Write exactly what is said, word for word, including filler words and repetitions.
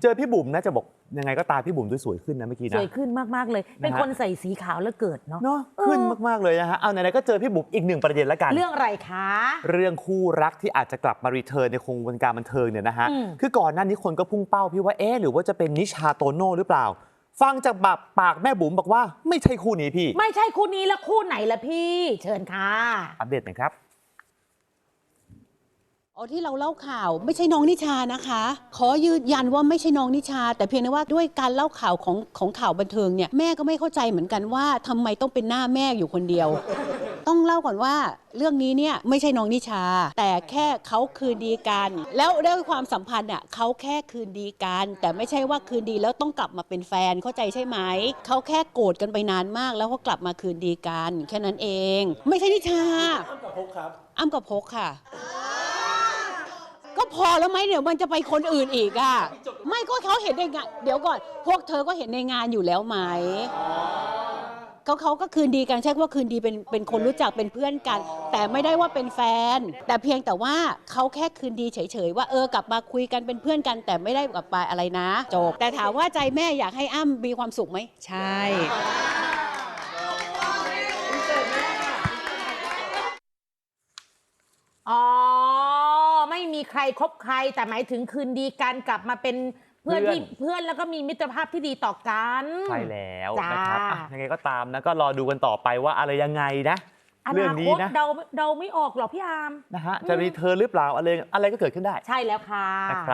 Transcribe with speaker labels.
Speaker 1: เจอพี่บุ๋มนะจะบอกยังไงก็ตามพี่บุ๋มดูสวยขึ้นนะเมื่อกี้นะ
Speaker 2: สวยขึ้นมากๆเลยเป็นคนใส่สีขาวแล้วเกิดเนาะ
Speaker 1: เนาะขึ้นมากๆเลยนะฮะเอาไหนๆก็เจอพี่บุ๋มอีกหนึ่งประเด็นแล้วกัน
Speaker 2: เรื่องอะไรคะ
Speaker 1: เรื่องคู่รักที่อาจจะกลับมารีเทิร์นในวงการบันเทิงเนี่ยนะฮะคือก่อนหน้านี้คนก็พุ่งเป้าพี่ว่าเอ๊ะหรือว่าจะเป็นนิชาโตโน่หรือเปล่าฟังจากปากปากแม่บุ๋มบอกว่าไม่ใช่คู่นี้พี่
Speaker 2: ไม่ใช่คู่นี้แล้วคู่ไหนล่ะพี่เชิญค่ะ
Speaker 1: อัปเดตหน่อยครับ
Speaker 3: อ๋อที่เราเล่าข่าวไม่ใช่น้องนิชานะคะขอยืนยันว่าไม่ใช่น้องนิชาแต่เพียงแต่ว่าด้วยการเล่าข่าวของของข่าวบันเทิงเนี่ยแม่ก็ไม่เข้าใจเหมือนกันว่าทำไมต้องเป็นหน้าแม่อยู่คนเดียว ต้องเล่าก่อนว่าเรื่องนี้เนี่ยไม่ใช่น้องนิชาแต่แค่เขาคืนดีกันแล้วด้วยความสัมพันธ์อ่ะเขาแค่คืนดีกันแต่ไม่ใช่ว่าคืนดีแล้วต้องกลับมาเป็นแฟนเข้าใจใช่ไหมเขาแค่โกรธกันไปนานมากแล้วเขากลับมาคืนดีกันแค่นั้นเองไม่ใช่นิชาอ้ำกับพกครับอ้ำกับพกค่ะก็พอแล้วไหมเดี๋ยวมันจะไปคนอื่นอีกอ่ะไม่ก็เขาเห็นในงานเดี๋ยวก่อนพวกเธอก็เห็นในงานอยู่แล้วไหมเขาเขาก็คืนดีกันใช่ว่าคืนดีเป็นเป็นคนรู้จักเป็นเพื่อนกันแต่ไม่ได้ว่าเป็นแฟนแต่เพียงแต่ว่าเขาแค่คืนดีเฉยๆว่าเออกลับมาคุยกันเป็นเพื่อนกันแต่ไม่ได้กลับไปอะไรนะจบแต่ถามว่าใจแม่อยากให้อ้ำมีความสุขไหมใช่
Speaker 2: อ๋อไม่มีใครคบใครแต่หมายถึงคืนดีกันกลับมาเป็นเพื่อนที่เพื่อนแล้วก็มีมิตรภาพที่ดีต่อกัน
Speaker 1: ใช่แล้วนะครับยังไงก็ตามนะก็รอดูกันต่อไปว่าอะไรยังไงนะเรื่องนี้นะ
Speaker 2: เดาเดาไม่ออกหรอกพี่อาร์ม
Speaker 1: นะฮะจะรีเทิร์นหรือเปล่าอะไรอะไรก็เกิดขึ้นได้
Speaker 2: ใช่แล้วค่ะ